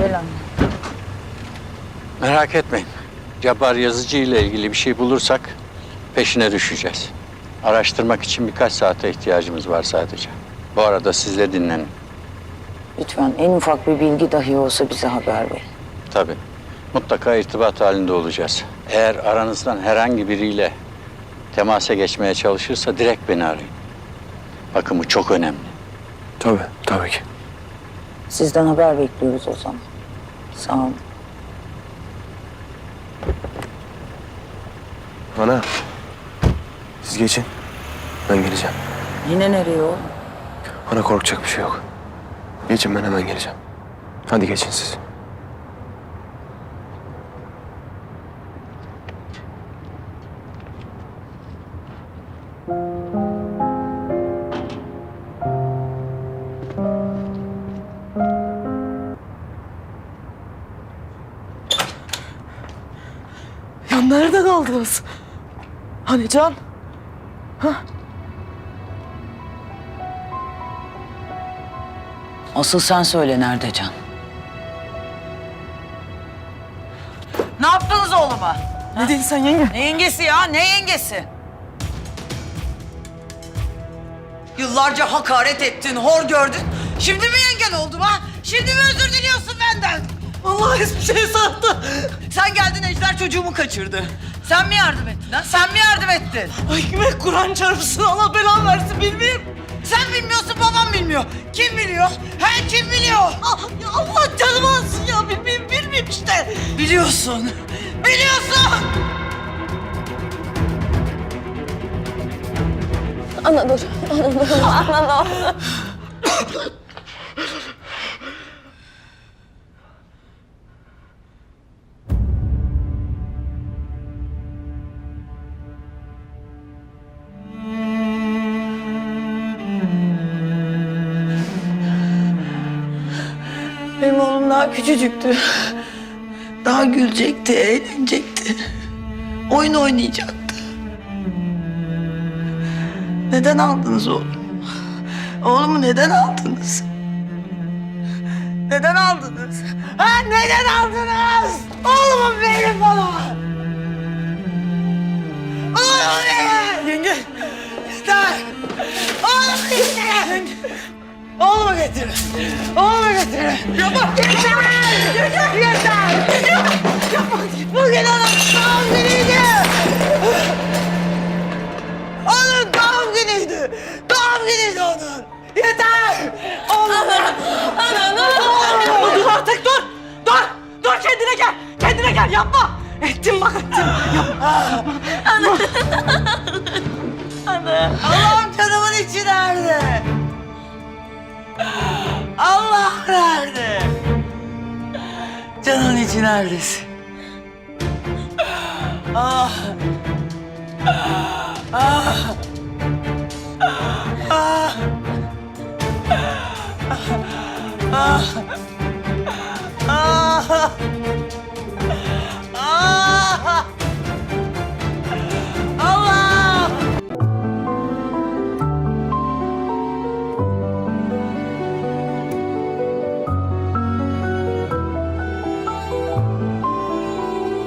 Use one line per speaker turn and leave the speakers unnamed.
Gel anne.
Merak etmeyin. Cabbar Yazıcı ile ilgili bir şey bulursak peşine düşeceğiz. Araştırmak için birkaç saate ihtiyacımız var sadece. Bu arada siz de dinlenin.
Lütfen en ufak bir bilgi dahi olsa bize haber verin.
Tabii. Mutlaka irtibat halinde olacağız. Eğer aranızdan herhangi biriyle temasa geçmeye çalışırsa direkt beni arayın. Bakın bu çok önemli.
Tabii ki.
Sizden haber bekliyoruz o zaman. Sağ olun.
Ana, siz geçin. Ben geleceğim.
Yine nereye oğlum?
Ana korkacak bir şey yok. Geçin, ben hemen geleceğim. Hadi geçin siz.
Ya nerede kaldınız? Hani Can?
Asıl sen söyle nerede Can? Ne yaptınız oğluma?
Ne dedin sen yenge?
Ne yengesi ya? Ne yengesi? Yıllarca hakaret ettin, hor gördün. Şimdi mi yengen oldum ha? Şimdi mi özür diliyorsun benden?
Allah hiçbir şey sattı.
Sen geldin Ejder çocuğumu kaçırdı. Sen mi yardım ettin ha? Sen mi yardım ettin?
Ay kime Kur'an çarpsın, Allah belanı versin bilmeyeyim.
Sen bilmiyorsun, babam bilmiyor. Kim biliyor? He, kim biliyor?
Ya Allah canımı alsın ya, bilmeyeyim işte.
Biliyorsun. Biliyorsun.
Ana dur. Ana dur.
Benim oğlum daha küçücüktü. Daha gülecekti, eğlenecekti. Oyun oynayacaktı. Neden aldınız oğlumu? Oğlumu neden aldınız? Neden aldınız? Ha, neden aldınız? Oğlumu verin bana! Oğlumu verin! Yenge! Yeter! Oğlumu getirin! Oğlumu getirin! Oğlumu getirin! Yapma! Yeter! Yeter! Yapma! Bugün onun doğum günüydü! Onun doğum günüydü! Doğum günüydü onun! Yeter! Oğlum! Dur artık dur! Dur! Dur kendine gel! Kendine gel yapma! Ettim bak ettim! Yapma! Allah'ım canımın içi nerede? Allah nerede? Canın içi neredesin? Ah! Ah!